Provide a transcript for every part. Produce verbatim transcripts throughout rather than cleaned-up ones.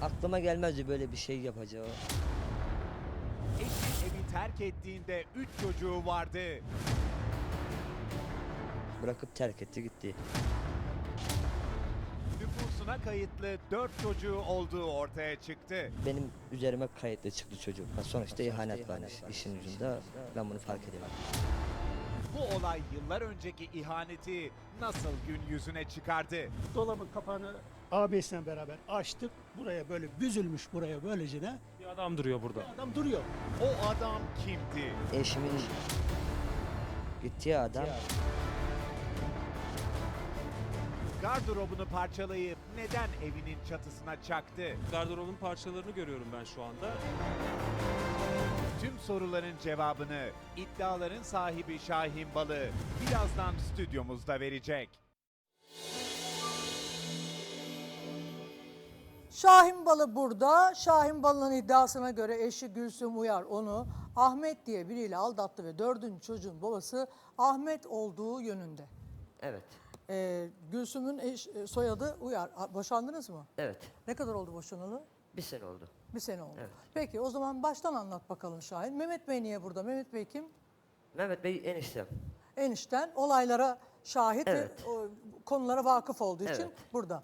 Aklıma gelmezdi böyle bir şey yapacağı. Eşi evi terk ettiğinde üç çocuğu vardı. Bırakıp terk etti gitti. Nüfusuna kayıtlı dört çocuğu olduğu ortaya çıktı. Benim üzerime kayıtlı çıktı çocuk. Sonuçta ihanet varmış işin ucunda. Ben bunu fark ediyorum. Bu olay yıllar önceki ihaneti nasıl gün yüzüne çıkardı? Dolabın kapağını abisiyle beraber açtık. Buraya böyle büzülmüş buraya böylece de Bir adam duruyor burada. adam duruyor. O adam kimdi? Eşimin gittiği adam Gardırobunu parçalayıp neden evinin çatısına çaktı? Gardırobun parçalarını görüyorum ben şu anda. Tüm soruların cevabını iddiaların sahibi Şahin Balı birazdan stüdyomuzda verecek. Şahin Balı burada. Şahin Balı'nın iddiasına göre eşi Gülsüm Uyar onu Ahmet diye biriyle aldattı ve dördüncü çocuğun babası Ahmet olduğu yönünde. evet. Ee, Gülsüm'ün eş, e, soyadı Uyar. A- Boşandınız mı? Evet. Ne kadar oldu boşanalı? Bir sene oldu. Bir sene oldu. Evet. Peki o zaman baştan anlat bakalım Şahin. Mehmet Bey niye burada? Mehmet Bey kim? Mehmet Bey eniştem. Enişten olaylara şahit Evet. ve o, konulara vakıf olduğu için Evet. burada.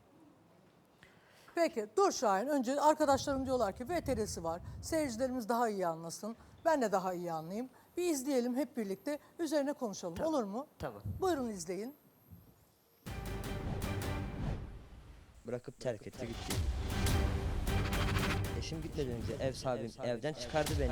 Peki dur Şahin. Önce arkadaşlarım diyorlar ki V T R'si var. Seyircilerimiz daha iyi anlasın. Ben de daha iyi anlayayım. Bir izleyelim hep birlikte. Üzerine konuşalım. Tamam. Olur mu? Tamam. Buyurun izleyin. Bırakıp terk etti gitti. Eşim gitmeden önce ev sahibim evden çıkardı beni.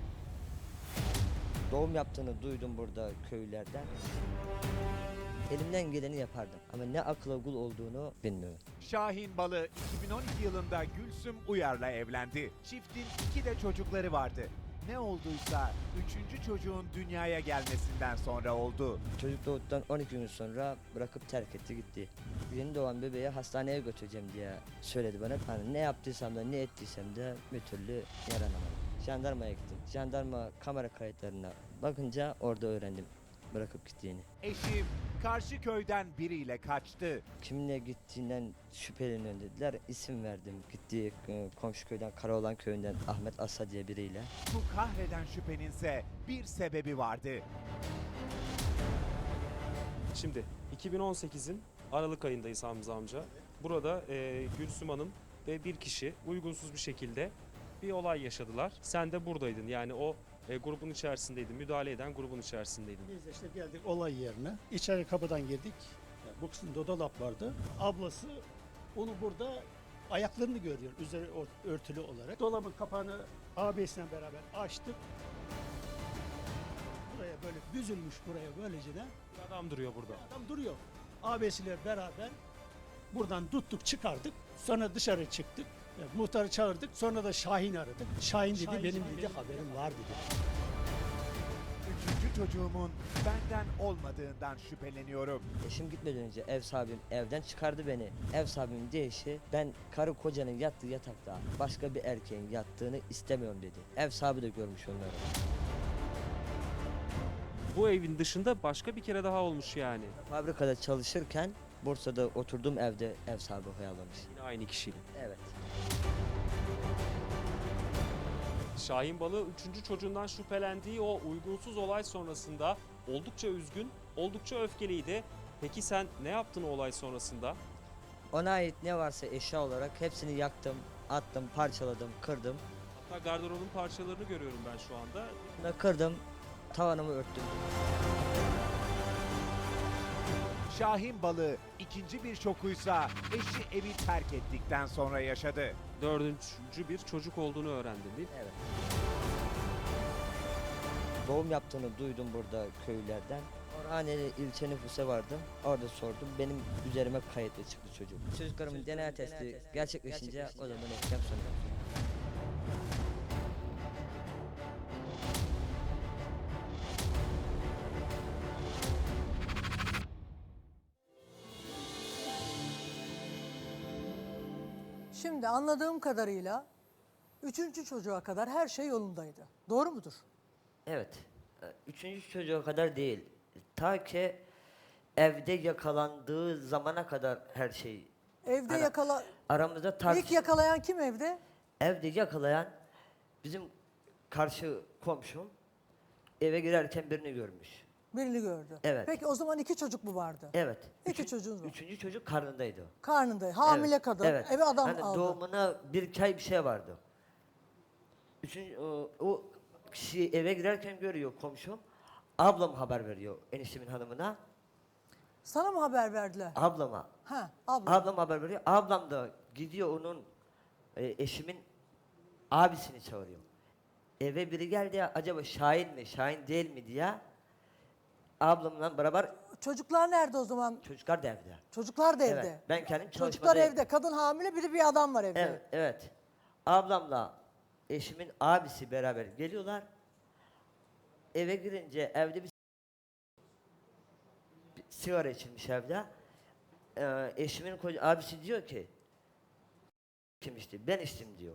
Doğum yaptığını duydum burada köylülerden. Elimden geleni yapardım ama ne akla kul olduğunu bilmiyorum. Şahin Balı iki bin on iki yılında Gülsüm Uyar'la evlendi. Çiftin iki de çocukları vardı. Ne olduysa üçüncü çocuğun dünyaya gelmesinden sonra oldu. Çocuk doğduktan on iki gün sonra bırakıp terk etti gitti. Yeni doğan bebeği hastaneye götüreceğim diye söyledi bana. Hani ne yaptıysam da ne ettiysem de bir türlü yaranamadım. Jandarmaya gittim. Jandarma kamera kayıtlarına bakınca orada öğrendim bırakıp gittiğini. Eşim karşı köyden biriyle kaçtı. Kiminle gittiğinden şüpheleniyorum dediler. İsim verdim. Gittiği e, komşu köyden Karaoğlan köyünden Ahmet Asa diye biriyle. Bu kahreden şüpheninse bir sebebi vardı. Şimdi iki bin on sekizin Aralık ayındayız Hamza amca. Burada e, Gülsüm Hanım ve bir kişi uygunsuz bir şekilde bir olay yaşadılar. Sen de buradaydın. Yani o e, grubun içerisindeydin. Müdahale eden grubun içerisindeydin. Biz de işte geldik olay yerine. İçeri kapıdan girdik. Yani bu kısımda dolap vardı. Ablası onu burada ayaklarını görüyor üzeri ört- örtülü olarak. Dolabın kapağını abisiyle beraber açtık. Buraya böyle büzülmüş buraya böylece de Bir adam duruyor burada. adam duruyor. Abisiyle beraber buradan tuttuk çıkardık. Sonra dışarı çıktık. Yani muhtarı çağırdık. Sonra da Şahin aradık. Şahin dedi benim dedi haberim var dedi. Üçüncü çocuğumun benden olmadığından şüpheleniyorum. Eşim gitmeden önce ev sahibim evden çıkardı beni. Ev sahibimin deyişi ben karı kocanın yattığı yatakta başka bir erkeğin yattığını istemiyorum dedi. Ev sahibi de görmüş onları. Bu evin dışında başka bir kere daha olmuş yani. Fabrikada çalışırken Bursa'da oturduğum evde ev sahibi hayalamış. Yine aynı kişiyle. Evet. Şahin Balı üçüncü çocuğundan şüphelendiği o uygunsuz olay sonrasında oldukça üzgün, oldukça öfkeliydi. Peki sen ne yaptın o olay sonrasında? Ona ait ne varsa eşya olarak hepsini yaktım, attım, parçaladım, kırdım. Hatta gardırobun parçalarını görüyorum ben şu anda. Bunu kırdım, tavanımı örttüm. Şahin Balı ikinci bir şokuysa eşi evi terk ettikten sonra yaşadı. Dördüncü bir çocuk olduğunu öğrendim değil mi? Evet. Doğum yaptığını duydum burada köylülerden. Orhaneli ilçe nüfusa vardım. Orada sordum. Benim üzerime kayıtlı çıktı çocuk. Çocuklarımın D N A testi gerçekleşince o zaman eklem sonra. Şimdi anladığım kadarıyla üçüncü çocuğa kadar her şey yolundaydı. Doğru mudur? Evet. Üçüncü çocuğa kadar değil. Ta ki evde yakalandığı zamana kadar her şey Evde Hani yakala... Aramızda tartış... İlk yakalayan kim evde? Evde yakalayan bizim karşı komşum eve girerken birini görmüş. Birini gördü. Evet. Peki o zaman iki çocuk mu vardı? Evet. İki Üçün- çocuğunuz var. Üçüncü çocuk karnındaydı. Karnında, hamile Evet, kadın, evet. eve adam Hani aldı. doğumuna bir iki ay bir şey vardı. Üçüncü, o, o kişi eve girerken görüyor komşum. Ablam haber veriyor eniştemin hanımına. Sana mı haber verdiler? Ablama. Ha, abla. Ablam haber veriyor. Ablam da gidiyor onun e, eşimin abisini çağırıyor. Eve biri geldi ya acaba Şahin mi Şahin değil mi diye. Ablamla beraber Çocuklar nerede o zaman? çocuklar da evde. Çocuklar da evde. Evet, ben kendim Çocuklar çalışmadayım. evde. Kadın hamile, biri bir adam var evde. Evet, evet. Ablamla eşimin abisi beraber geliyorlar. Eve girince evde bir, bir sigara içilmiş evde. Ee, eşimin koca, abisi diyor ki kim içti? Ben içtim diyor.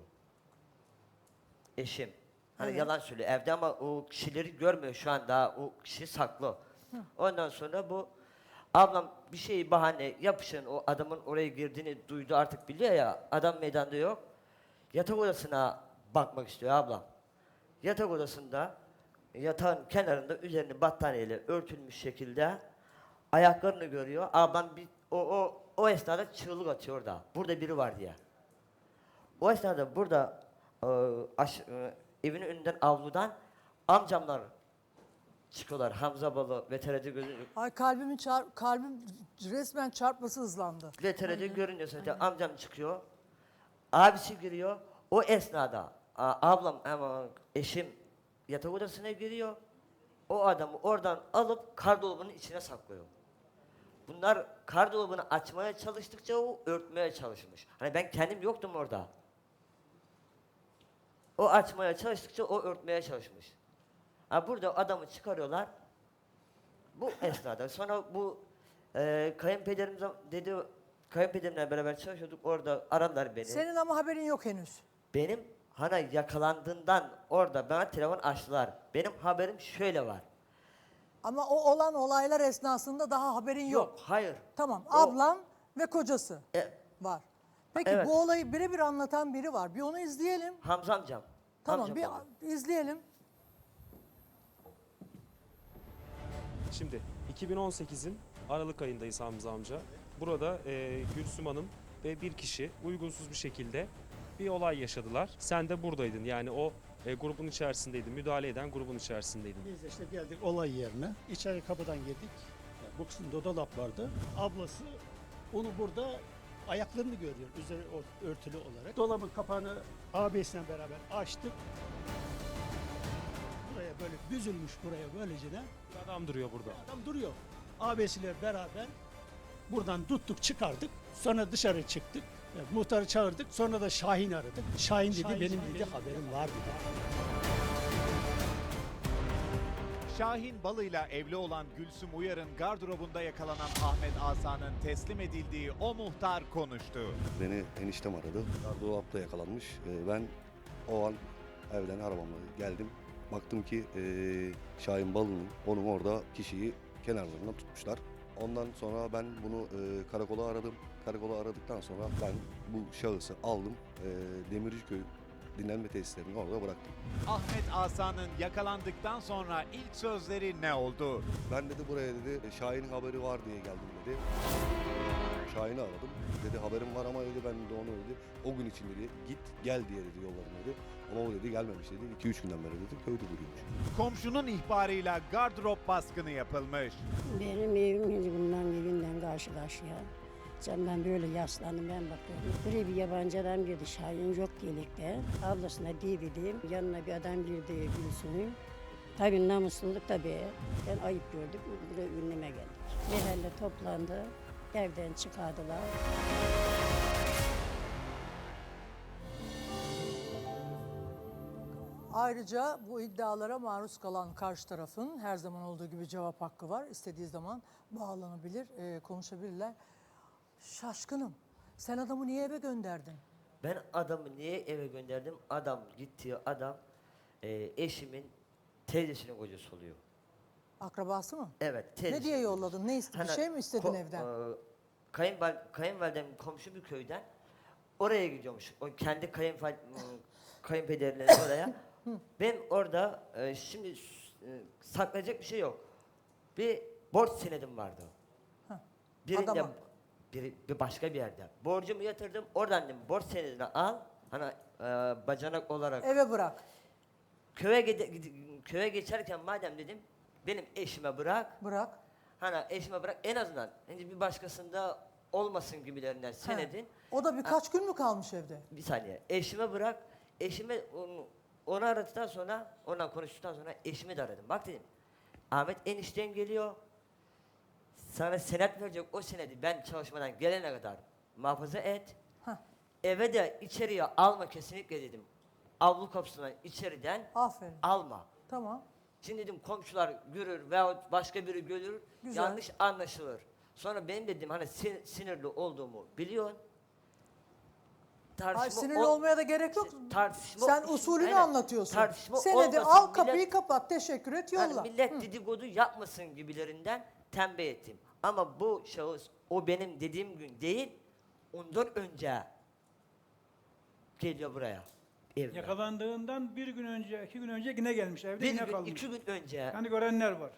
Eşim. Hani Evet. yalan söylüyor evde ama o kişileri görmüyor şu an daha o kişi saklı. Ondan sonra bu ablam bir şeyi bahane yapışın o adamın oraya girdiğini duydu artık biliyor ya adam meydanda yok. Yatak odasına bakmak istiyor ablam. Yatak odasında yatağın kenarında üzerini battaniyeyle örtülmüş şekilde ayaklarını görüyor. Ablam bir o o o esnada çığlık atıyor orada. Burada biri var diye. O esnada burada e, aş, e, evinin önünden avludan amcamlar çıkıyorlar. Hamza Balı ve T R'de gözü Ay kalbimin çar kalbim resmen çarpması hızlandı. ve T R'de görünüyor zaten amcam çıkıyor. Abisi giriyor. O esnada a, ablam ama eşim yatak odasına giriyor. O adamı oradan alıp kardolabının içine saklıyor. Bunlar kardolabını açmaya çalıştıkça o örtmeye çalışmış. Hani ben kendim yoktum orada. O açmaya çalıştıkça o örtmeye çalışmış. Ha burada adamı çıkarıyorlar. Bu esnada sonra bu e, kayınpederim zam- dedi kayınpederimle beraber çalışıyorduk orada aradılar beni. Senin ama haberin yok henüz. Benim hani yakalandığından orada bana telefon açtılar. Benim haberim şöyle var. Ama o olan olaylar esnasında daha haberin yok. Yok, hayır. Tamam, O- ablan ve kocası E, var. Peki Evet. bu olayı birebir anlatan biri var. Bir onu izleyelim. Hamza amcam. Tamam, Hamza bir baba. izleyelim. Şimdi iki bin on sekizin Aralık ayındayız Hamza amca. Burada e, Gülsüm Hanım ve bir kişi uygunsuz bir şekilde bir olay yaşadılar. Sen de buradaydın yani o e, grubun içerisindeydin, müdahale eden grubun içerisindeydin. Biz de işte geldik olay yerine. İçeri kapıdan girdik. Yani bu kısımda dolap vardı. Ablası onu burada ayaklarını görüyor üzeri ört- örtülü olarak. Dolabın kapağını ağabeyisiyle beraber açtık. Buraya böyle büzülmüş buraya böylecene. Bir adam duruyor burada. Adam duruyor. Ağabeysiyle beraber buradan tuttuk çıkardık. Sonra dışarı çıktık. Yani muhtarı çağırdık. Sonra da Şahin aradık. Şahin dedi Şahin, benim Şahin dedi benim- haberim var dedi. Şahin Balı'yla evli olan Gülsüm Uyar'ın gardırobunda yakalanan Ahmet Asa'nın teslim edildiği o muhtar konuştu. Beni eniştem aradı. Dolapta yakalanmış. Ee, Ben o an evden arabamla geldim. Baktım ki eee Şahin Balı'nın onun orada kişiyi kenarlarından tutmuşlar. Ondan sonra ben bunu eee, karakola aradım. Karakola aradıktan sonra ben bu şahısı aldım. Eee Demirciköy dinlenme tesislerini orada bıraktım. Ahmet Asa'nın yakalandıktan sonra ilk sözleri ne oldu? Ben dedi buraya dedi Şahin'in haberi var diye geldim dedi. Şahin'i aradım. Dedi haberim var ama dedi ben de onu dedi. O gün için dedi git gel diye dedi yolladım dedi. Ama o dedi gelmemiş dedi. iki üç günden beri dedi köyde duruyormuş. Komşunun ihbarıyla gardırop baskını yapılmış. Benim evim şimdi bundan evinden karşı karşıya. Camdan böyle yaslandım ben bakıyorum. Buraya bir yabancı adam girdi. Şahin yok gelikte. Ablasına dedim. Yanına bir adam girdi Gülsüm'ün. Tabii namusluluk tabii. Ben ayıp gördüm. Buraya ünleme geldik. Mahalle toplandı. Evden çıkardılar. Ayrıca bu iddialara maruz kalan karşı tarafın her zaman olduğu gibi cevap hakkı var. İstediği zaman bağlanabilir, e, konuşabilirler. Şaşkınım. Sen adamı niye eve gönderdin? Ben adamı niye eve gönderdim? Adam gittiği adam e, eşimin teyzesinin kocası oluyor. Akrabası mı? Evet. Ne teyzesinin diye kocası. yolladın? Ne istedin? Bir Hani şey mi istedin ko- evden? e, kayınval kayınvalidem komşu bir köyden oraya gidiyormuş. O kendi kayınval kayınpederlerinin oraya. Ben orada e, şimdi e, saklayacak bir şey yok. Bir borç senedim vardı. Birinde adama. bir, bir başka bir yerde. Borcumu yatırdım. Oradan dedim borç senedini al. Hani e, bacanak olarak Eve bırak. köye gide, gide- köye geçerken madem dedim benim eşime bırak. Bırak. Hani eşime bırak en azından hani bir başkasında olmasın gibilerinden senedin. Ha. O da birkaç gün mü kalmış evde? Bir saniye. Eşime bırak. Eşime onu, onu aradıktan sonra, ondan konuştuktan sonra eşimi de aradım. Bak dedim. Ahmet enişten geliyor. Sana senet verecek o senedi ben çalışmadan gelene kadar muhafaza et. Hah. Eve de içeriye alma kesinlikle dedim. Avlu kapısından içeriden Aferin. alma. Tamam. Şimdi dedim komşular görür veyahut başka biri görür, Güzel. yanlış anlaşılır. Sonra benim dedim hani sin- sinirli olduğumu biliyorsun. Ay Tartışma sinirli ol- olmaya da gerek yok. tartışma- Sen usulünü Aynen. anlatıyorsun. Tartışma Senedi olmasın, al millet- kapıyı kapat teşekkür et yolla. Yani millet dedikodu yapmasın gibilerinden tembih ettim. Ama bu şahıs o benim dediğim gün değil, ondan önce geliyor buraya. Evime. Yakalandığından bir gün önce, iki gün önce yine gelmiş. Evde Bir yine gün, kalmış. iki gün önce. Yani görenler var.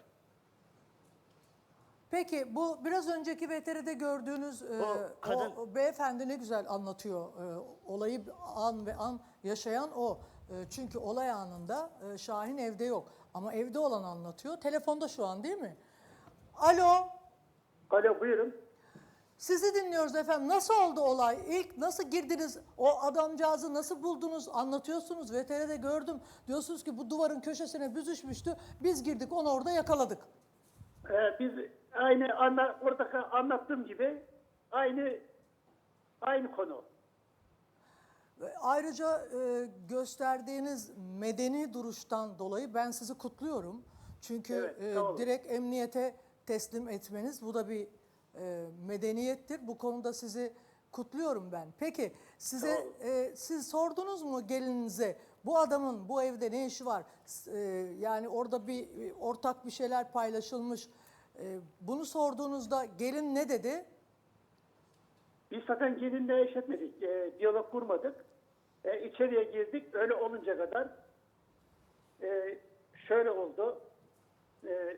Peki bu biraz önceki V T R'de gördüğünüz e, O kadın- o, o beyefendi ne güzel anlatıyor. E, olayı an ve an yaşayan o. E, çünkü olay anında e, Şahin evde yok. Ama evde olan anlatıyor. Telefonda şu an değil mi? Alo. Alo buyurun. Sizi dinliyoruz efendim. Nasıl oldu olay? İlk nasıl girdiniz? O adamcağızı nasıl buldunuz? Anlatıyorsunuz. V T R'de gördüm. Diyorsunuz ki bu duvarın köşesine büzüşmüştü. Biz girdik onu orada yakaladık. Ee, biz aynı anla, orada anlattığım gibi aynı aynı konu. Ve ayrıca e, gösterdiğiniz medeni duruştan dolayı ben sizi kutluyorum. Çünkü Evet, e, sağ olun. direkt emniyete teslim etmeniz bu da bir e, medeniyettir. Bu konuda sizi kutluyorum ben. Peki size Sağ olun. e, siz sordunuz mu gelininize bu adamın bu evde ne işi var? S- e, yani orada bir e, ortak bir şeyler paylaşılmış. E, bunu sorduğunuzda gelin ne dedi? Biz zaten gelinle eş etmedik. E, diyalog kurmadık. E, içeriye girdik. Öyle olunca kadar e, şöyle oldu. E,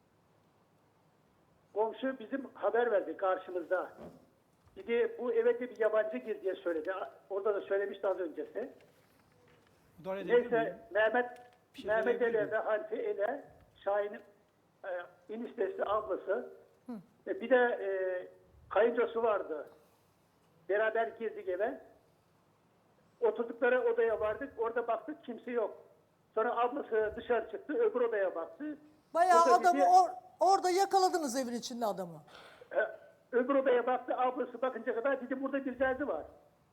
komşu bizim haber verdi karşımızda. Dedi bu eve de bir yabancı gir diye söyledi. Orada da söylemişti az öncesi. Müdahale edebilir miyim? Neyse Mehmet Bir şey Mehmet söyleyebilir Ele ve Hanife Ele Şahin'in e, eniştesi ablası ve bir de e, kayıncosu vardı. Beraber girdik eve. Oturdukları odaya vardık. Orada baktık kimse yok. Sonra ablası dışarı çıktı. Öbür odaya baktı. Bayağı O da adamı bizi- or- orada yakaladınız evin içinde adamı. E, öbür odaya baktı. Ablası bakınca kadar dedi burada bir derdi var.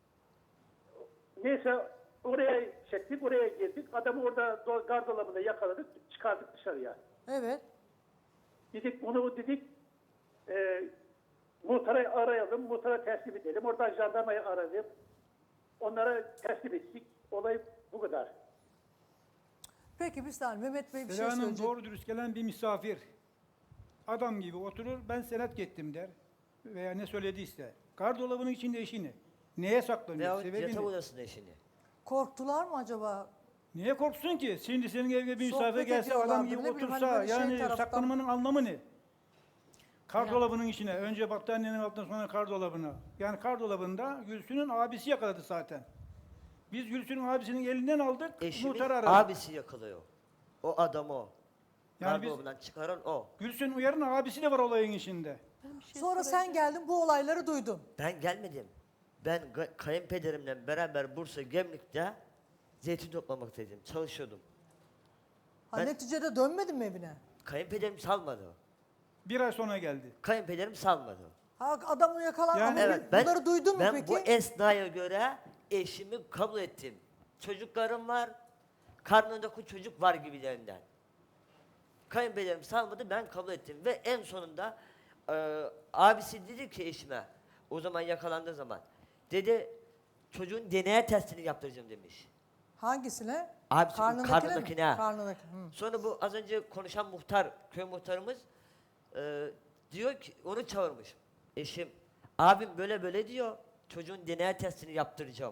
Neyse oraya çektik. Oraya girdik. Adamı orada do- gardırobunda yakaladık. Çıkardık dışarıya. Evet. Dedik bunu dedik e, muhtara arayalım, muhtara teslim edelim. Oradan jandarmayı aradık. Onlara teslim ettik. Olay bu kadar. Peki bir saniye Mehmet Bey bir şey Selen Hanım söyleyecek. doğru dürüst gelen bir misafir. Adam gibi oturur, ben senet gittim der. Veya ne söylediyse. Gardırobunun içinde eşini. Neye saklanıyor? Veyahut Sebebi yatak ne? odasında eşini. Korktular mı acaba? Niye korksun ki? Şimdi senin evine bir Sohbet misafir gelse adam ediyorlardır, gibi ne bileyim, hani otursa böyle şey yani taraftan- saklanmanın anlamı ne? Kardolabının içine. Önce battaniyenin altına sonra kardolabına. Yani kardolabında Gülsün'ün abisi yakaladı zaten. Biz Gülsün'ün abisinin elinden aldık. Eşimin muhtarı aradık. abisi yakalıyor. O adam o. Yani biz Gardırobundan çıkaran o. Gülsün Uyar'ın abisi de var olayın içinde. Sonra sen geldin bu olayları duydun. Ben gelmedim. Ben ga- kayınpederimle beraber Bursa Gemlik'te zeytin toplamaktaydım. Çalışıyordum. Ha, Ben- neticede dönmedin mi evine? Kayınpederim salmadı. Bir ay sonra geldi. Kayınpederim salmadı. Ha, adamı yakalan Yani- ama Evet ben, bunları duydun mu ben peki? bu esnaya göre eşimi kabul ettim. Çocuklarım var, karnındaki çocuk var gibilerinden. Kayınpederim salmadı, ben kabul ettim. Ve en sonunda e, abisi dedi ki eşime, o zaman yakalandığı zaman, dedi çocuğun D N A testini yaptıracağım demiş. Hangisine? Abisi, Karnındakine mi? karnındakine. Karnındaki. Hı. Sonra bu az önce konuşan muhtar, köy muhtarımız e, diyor ki onu çağırmış. Eşim Abim böyle böyle diyor. Çocuğun D N A testini yaptıracağım.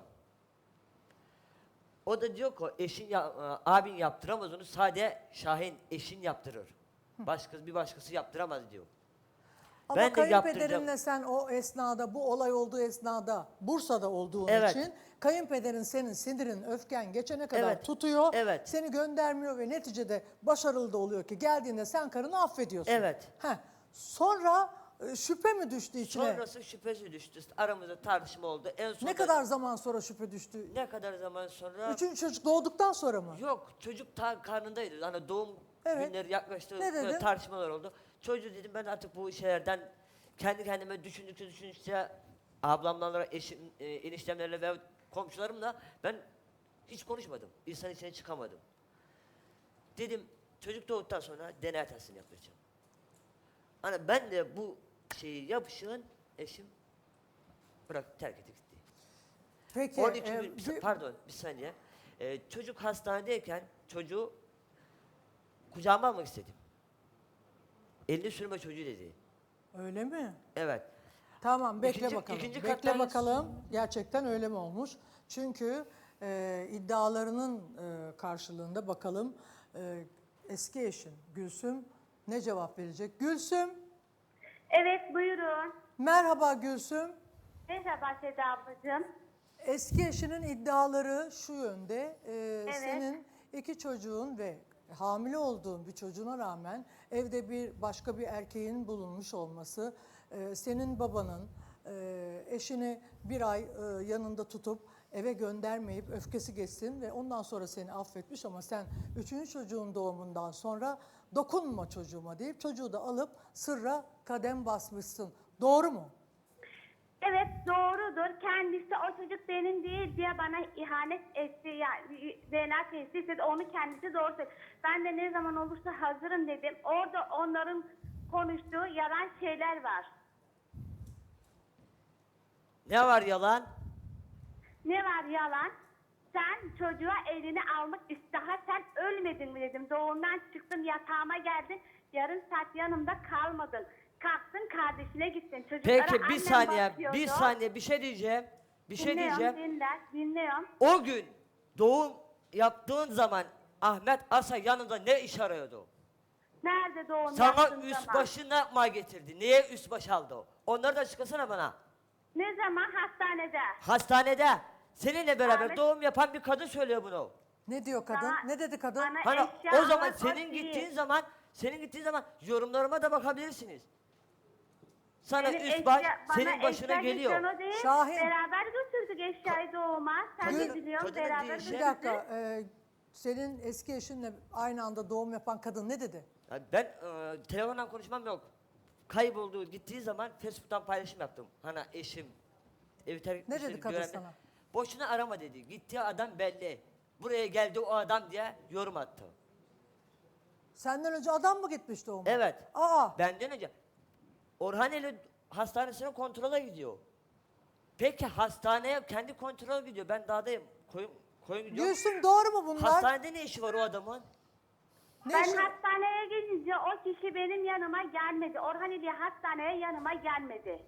O da diyor ki eşin ya, e, abin yaptıramaz onu, sadece Şahin eşin yaptırır. Başkası bir başkası yaptıramaz diyor. Ama Ben de yaptıracağım. kayınpederinle sen o esnada, bu olay olduğu esnada Bursa'da olduğun Evet. için kayınpederin senin sinirin, öfken geçene kadar Evet. tutuyor. Evet. Seni göndermiyor ve neticede başarılı da oluyor ki geldiğinde sen karını affediyorsun. Evet. Heh. Sonra e, şüphe mi düştü içine? Sonrası şüphesi düştü. Aramızda tartışma oldu. En son Ne kadar zaman sonra şüphe düştü? ne kadar zaman sonra? Üçüncü çocuk doğduktan sonra mı? Yok, çocuk ta karnındaydı. Hani doğum Evet. günleri yaklaştı. Ne böyle dedin? tartışmalar oldu. Çocuğu dedim ben artık bu şeylerden kendi kendime düşündükçe düşündükçe ablamlarla, eşim, e, eniştemlerle ve komşularımla ben hiç konuşmadım. İnsan içine çıkamadım. Dedim çocuk doğduktan sonra D N A testini yapacağım. Hani ben de bu şeyi yapışığın eşim bırak terk etti gitti. Peki. on iki e, gün, bir- pardon bir saniye. Ee, çocuk hastanedeyken çocuğu kucağıma almak istedim. Elini sürme çocuğu dedi. Öyle mi? Evet. Tamam, bekle İkinci- bakalım. ikinci bekle kattan- bakalım. Gerçekten öyle mi olmuş? Çünkü e, iddialarının e, karşılığında bakalım e, eski eşin Gülsüm ne cevap verecek? Gülsüm, Evet, buyurun. merhaba Gülsüm. Merhaba Seda ablacığım. Eski eşinin iddiaları şu yönde. e, Senin iki çocuğun ve hamile olduğun bir çocuğuna rağmen evde bir başka bir erkeğin bulunmuş olması, e, senin babanın e, eşini bir ay e, yanında tutup eve göndermeyip öfkesi geçsin ve ondan sonra seni affetmiş ama sen üçüncü çocuğun doğumundan sonra dokunma çocuğuma deyip çocuğu da alıp sırra kadem basmışsın. Doğru mu? Evet, doğrudur. Kendisi o çocuk benim değil diye bana ihanet etti. Yani D N A testi istedi. Onu kendisi doğru söyledi. Ben de ne zaman olursa hazırım dedim. Orada onların konuştuğu yalan şeyler var. Ne var yalan? Ne var yalan? Sen çocuğa elini almak ist- daha sen ölmedin mi dedim. Doğumdan çıktın, yatağıma geldin. Yarım saat yanımda kalmadın. Kalktın kardeşine gittin. Çocuklara Peki bir annem saniye, bakıyordu. bir saniye bir şey diyeceğim. Bir şey Dinliyorum, diyeceğim. dinler, dinliyorum. O gün doğum yaptığın zaman Ahmet Asa yanında ne iş arıyordu? Nerede doğum Sana yaptığın üst zaman? başı ne yapmaya getirdi? Niye üst baş aldı o? Onları da açıklasana bana. Ne zaman hastanede? Hastanede seninle beraber Ahmet- doğum yapan bir kadın söylüyor bunu. Ne diyor kadın? Bana- ne dedi kadın? bana- Hani Eşya o zaman almak o senin değil. gittiğin zaman, senin gittiğin zaman yorumlarıma da bakabilirsiniz. Sana Benim üst baş eşya- bana senin başına eşya geliyor. getiren o değil. Şahin. Beraber götürdük eşyayı doğuma. Sen Kadın- de biliyorsun kadının beraber değişi- Bir götürdük. dakika, e, senin eski eşinle aynı anda doğum yapan kadın ne dedi? Ya ben e, telefondan konuşmam yok. Kaybolduğu gittiği zaman Facebook'tan paylaşım yaptım. Hani eşim evi terk Ne etmişleri dedi kadın görenler- sana? Boşuna arama dedi. Gittiği adam belli. Buraya geldi o adam diye yorum attı. Senden önce adam mı gitmiş doğuma? Evet. Aa, Benden önce Orhaneli hastanesine kontrola gidiyor. Peki hastaneye kendi kontrol gidiyor. Ben dağdayım. Koyun, koyun gidiyor. Gülsüm doğru mu bunlar? Hastanede ne işi var o adamın? Ne Ben işi- hastaneye gidince o kişi benim yanıma gelmedi. Orhan diye hastaneye yanıma gelmedi.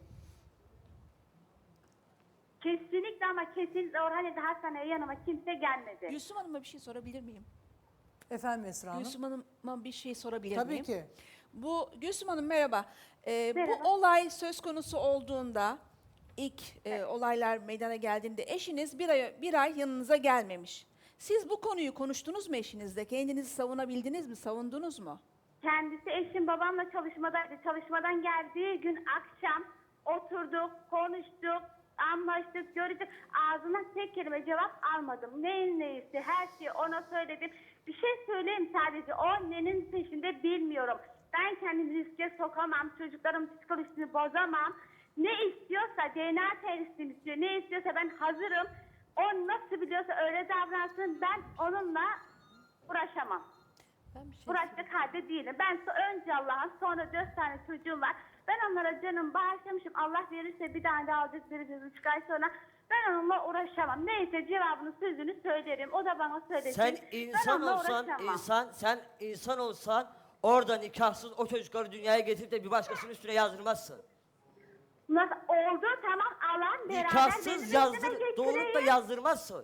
Kesinlikle ama kesinlikle Orhan hastaneye yanıma kimse gelmedi. Gülsüm Hanım'a bir şey sorabilir miyim? Efendim Esra Hanım? Gülsüm Hanım'a bir şey sorabilir Tabii miyim? ki. Bu Gülsüm Hanım merhaba. Ee, Merhaba. Bu olay söz konusu olduğunda ilk e, olaylar meydana geldiğinde eşiniz bir ay bir ay yanınıza gelmemiş. Siz bu konuyu konuştunuz mu eşinizle? Kendinizi savunabildiniz mi? Savundunuz mu? Kendisi eşim babamla çalışmadaydı. Çalışmadan geldiği gün akşam oturduk, konuştuk, anlaştık, gördük. Ağzına tek kelime cevap almadım. Neyin neyisi her şeyi ona söyledim. Bir şey söyleyeyim sadece o nenin peşinde bilmiyorum. Ben kendimi riske sokamam, çocuklarımın psikolojisini bozamam. Ne istiyorsa D N A testini istiyor, ne istiyorsa ben hazırım. O nasıl biliyorsa öyle davransın, ben onunla uğraşamam. Ben bir şey Uğraşacak halde değilim. Ben so- önce Allah'ın sonra dört tane çocuğum var. Ben onlara canım bağışlamışım. Allah verirse bir tane daha alacak vereceğiz üç ay sonra. Ben onunla uğraşamam. Neyse cevabını sözünü söylerim. O da bana söylesin. Sen Ben insan onunla olsan, uğraşamam. insan, sen insan olsan orada nikahsız o çocukları dünyaya getirip de bir başkasının üstüne yazdırmazsın. Nasıl oldu tamam alan beraber Nikahsız benim yazdır, üstüme doğurup da getireyim. yazdırmazsın.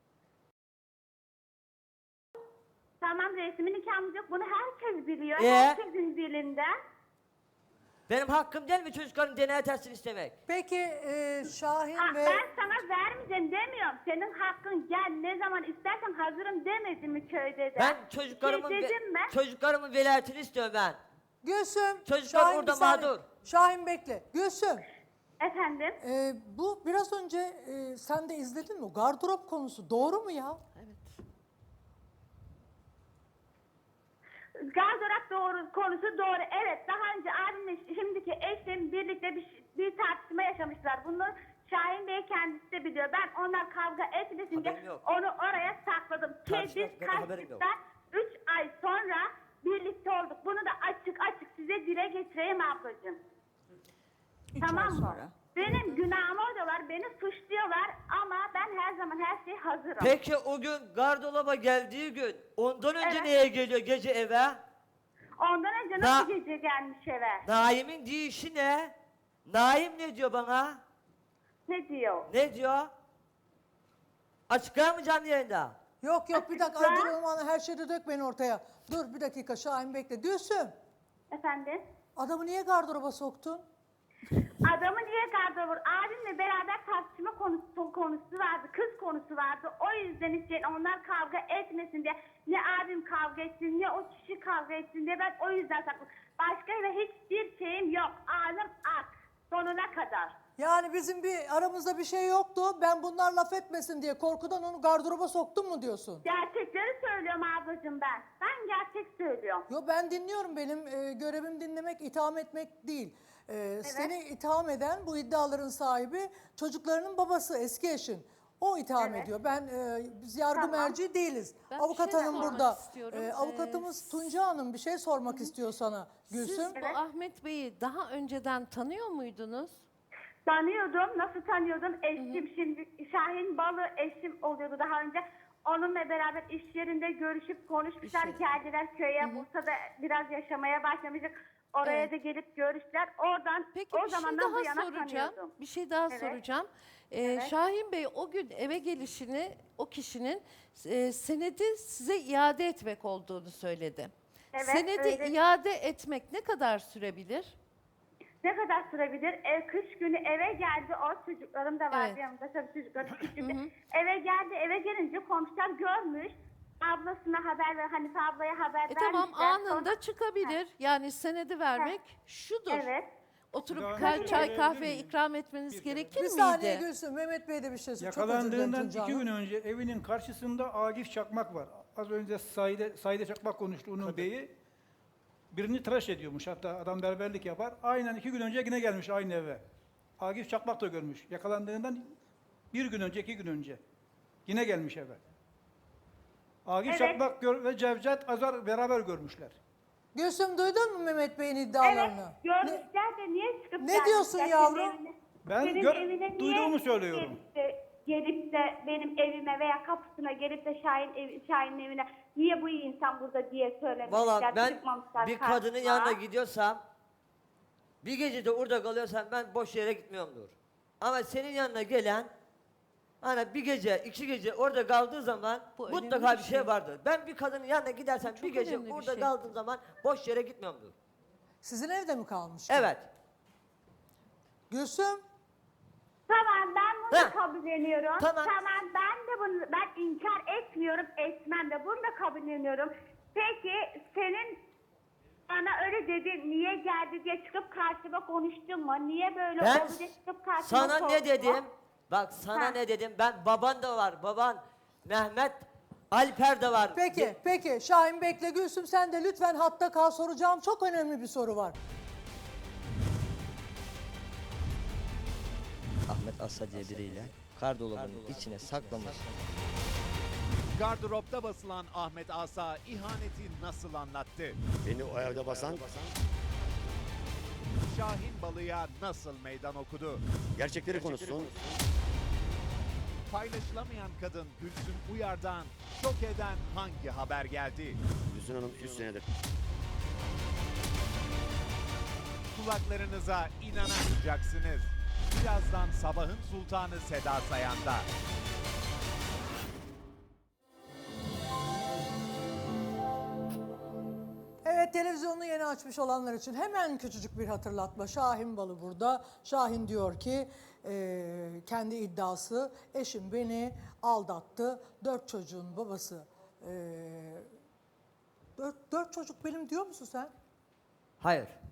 Tamam resmi nikahımız yok. Bunu herkes biliyor. Ee? Herkesin dilinde. Benim hakkım değil mi çocukların D N A testini istemek? Peki e, Şahin Aa, ve... Ben sana vermeyeceğim demiyorum. Senin hakkın gel ne zaman istersen hazırım demedim mi köyde de? Ben çocuklarımın, Şey ve- dedim mi? çocuklarımın velayetini istiyorum ben. Gülsüm, Çocuklar Şahin orada bir saniye. mağdur. Şahin bekle. Gülsüm, Efendim? e, bu biraz önce e, sen de izledin mi? Gardırop konusu doğru mu ya? Gardırop doğru, konusu doğru. Evet daha önce abimle şimdiki eşim birlikte bir, bir tartışma yaşamışlar. Bunu Şahin Bey kendisi de biliyor. Ben onlar kavga etmesin diye Haberim yok. onu oraya sakladım. Ki Tartışma biz hakkında haberim yok. kaçtıktan üç ay sonra birlikte olduk. Bunu da açık açık size dile getireyim ablacığım. Üç Tamam ay mı? sonra. Benim günahımı oradalar, beni suçluyorlar ama ben her zaman her şeye hazırım. Peki o gün gardıroba geldiği gün ondan önce Evet. neye geliyor gece eve? Ondan önce Na- nasıl gece gelmiş eve? Naim'in deyişi ne? Naim ne diyor bana? Ne diyor? Ne diyor? Açıklar mı canlı yayında? Yok yok bir dakika Açıkla. dur olmanı her şeyi dökmeyin ortaya. Dur bir dakika Şahin bekle. Gülsüm, Efendim? adamı niye gardıroba soktun? Adamı niye gardıroba? Abimle beraber tartışma konusu, konusu vardı, kız konusu vardı. O yüzden için onlar kavga etmesin diye. Ne abim kavga etsin, ne o kişi kavga etsin diye ben o yüzden sakladım. Başka ve hiçbir şeyim yok. Ağzım ak. Sonuna kadar. Yani bizim bir aramızda bir şey yoktu. Ben bunlar laf etmesin diye korkudan onu gardıroba soktum mu diyorsun? Gerçekleri söylüyorum ablacığım ben. Ben gerçek söylüyorum. Yo ben dinliyorum. Benim e, görevim dinlemek, itham etmek değil. E, Seni itham eden bu iddiaların sahibi çocuklarının babası, eski eşin. O itham Evet. ediyor. Ben e, biz yargı Tamam. merci değiliz. Ben bir Avukat şey hanım sormak burada. istiyorum. E, Ee, avukatımız Tunca Hanım bir şey sormak istiyor sana. Gülsüm. Siz bu Ahmet Bey'i daha önceden tanıyor muydunuz? Tanıyordum. Nasıl tanıyordum? Eşim şimdi Şahin Balı eşim oluyordu daha önce. Onunla beraber iş yerinde görüşüp konuşmuşlar. İş yeri. Geldiler köye. Bursa'da biraz yaşamaya başlamıştık. Oraya Evet. da gelip görüştüler. Oradan Peki o bir şey zamandan bu daha yana soracağım. tanıyordum. Bir şey daha Evet. soracağım. Ee, Evet. Şahin Bey o gün eve gelişini o kişinin e, senedi size iade etmek olduğunu söyledi. Evet, senedi öyle. iade etmek ne kadar sürebilir? Ne kadar sürebilir? E, kış günü eve geldi. O çocuklarım da vardı Evet. yanımda. Tabii çocuklarım küçüktü. Eve geldi. Eve gelince komşular görmüş. Ablasına haber ver. Hanife ablaya haber E tamam vermişler. anında Sonra- çıkabilir. Yani senedi vermek şudur. Evet. Oturup Daha ka- önce çay verebilir kahve miyim? ikram etmeniz gerekir Bir miydi? saniye Gülsüm. Mehmet Bey de bir şey söylüyor. Çok özür dilerim Yakalandığından Tunca iki Hanım. gün önce evinin karşısında Agif Çakmak var. Az önce Saide, Saide Çakmak konuştu onun beyi. Birini tıraş ediyormuş, hatta adam berberlik yapar. Aynen iki gün önce yine gelmiş aynı eve. Agif Çakmak da görmüş. Yakalandığından bir gün önce, iki gün önce. Yine gelmiş eve. Agif Evet. Çakmak gör- ve Cevdet Azar beraber görmüşler. Gülsüm duydun mu Mehmet Bey'in Evet. iddialarını? Ne- Görmüşler de niye çıkıp Ne gelmişler diyorsun senin yavrum? evine? Ben Senin gör- evine niye duyduğumu söylüyorum. Gelip de, gelip de benim evime veya kapısına gelip de Şahin ev, Şahin'in evine niye bu insan burada diye söylemişler. Valla ben çıkmamışlar bir karşıma. kadının yanına gidiyorsam, bir gece de orada kalıyorsam ben boş yere gitmiyorumdur. Ama senin yanına gelen, hani bir gece, iki gece orada kaldığı zaman Bu önemli mutlaka bir bir şey şey. vardır. Ben bir kadının yanına gidersem bir çok gece önemli bir orada şey. kaldığım zaman boş yere gitmiyorumdur. Sizin evde mi kalmış? Evet. Gülsüm. Tamam ben bunu Ha. da kabulleniyorum. Tamam. ben de bunu ben inkar etmiyorum, etmem de bunu da kabulleniyorum. Peki senin bana öyle dedin, niye geldi diye çıkıp karşıma konuştun mu? Niye böyle Ben oldu diye çıkıp karşıma sana sordun ne mu? dedim? Bak sana Ha. ne dedim? Ben baban da var. Baban Mehmet Alper de var. Peki, peki. Şahin bekle. Gülsüm sen de lütfen hatta kal. Soracağım çok önemli bir soru var. Ahmet Asa diye biriyle kar dolabının içine saklamış. Gardıropta basılan Ahmet Asa ihaneti nasıl anlattı? Beni o evde basan Şahin Balı'ya nasıl meydan okudu? gerçekleri konuşsun. Paylaşılamayan kadın Gülsüm Uyar'dan şok eden hangi haber geldi? Gülsün Hanım üç senedir Kulaklarınıza inanamayacaksınız. Birazdan sabahın sultanı Seda Sayan'da. Evet, televizyonunu yeni açmış olanlar için hemen küçücük bir hatırlatma. Şahin Balı burada. Şahin diyor ki e, kendi iddiası, eşim beni aldattı. Dört çocuğun babası. E, dört, dört çocuk benim diyor musun sen? Hayır.